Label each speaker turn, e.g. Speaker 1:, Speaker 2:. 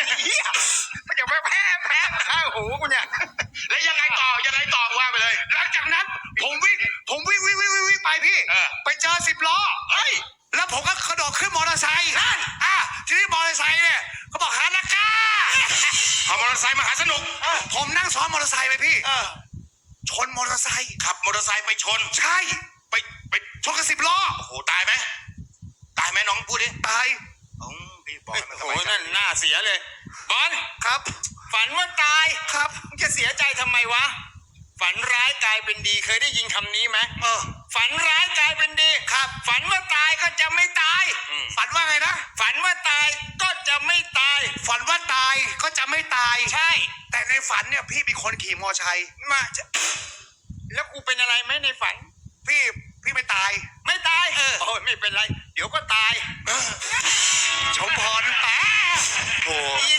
Speaker 1: เหี้ยมันจะไปแพ้ข้างหูกูเนี่ย
Speaker 2: แล้วยังไงต่อว่าไปเลย
Speaker 1: หลังจากนั้นผมวิ่งไปพี่ไปเจอ10 ล้อ
Speaker 2: เฮ้ย
Speaker 1: แล้วผมก็กระโดดขึ้นมอเตอร์ไซค์นั่นทีนี้มอเตอร์ไซค์เนี่ยเขาบอกหานักกา
Speaker 2: เอามอเตอร์ไซค์มาหาสนุก
Speaker 1: ผมนั่งซ้อนมอเตอร์ไซค์ไปพี่ชนมอเตอร์ไซค์
Speaker 2: ขับมอเตอร์ไซค์ไปชน
Speaker 1: ใช่
Speaker 2: ไป
Speaker 1: ชนกับ10 ล้อ
Speaker 2: โอ้โหตายไหมน้องพูดดิ
Speaker 1: ตาย
Speaker 2: พี่บอกโอ้โหนั่นหน้าเสียเลยบอล
Speaker 1: ครับ
Speaker 2: ฝันว่าตาย
Speaker 1: ครับ
Speaker 2: มึงจะเสียใจทำไมวะฝันร้ายกลายเป็นดีเคยได้ยินคำนี้ไหมฝันร้ายกลายเป็นดี
Speaker 1: ครับ
Speaker 2: ฝันว่าตายก็จะไม่ตาย
Speaker 1: ฝันว่าไงนะ
Speaker 2: ฝันว่าตายก็จะไม่ตาย
Speaker 1: ฝันว่าตายก็จะไม่ตาย
Speaker 2: ใช่
Speaker 1: แต่ในฝันเนี่ยพี่เป็นคนขี่มอเตอร์ไซค์
Speaker 2: มาแล้วกูเป็นอะไรไหมในฝัน
Speaker 1: พี่ไม่ตาย
Speaker 2: โอ้ยไม่เป็นไรเดี๋ยวก็ตาย
Speaker 1: ชมพร
Speaker 2: โอ้ย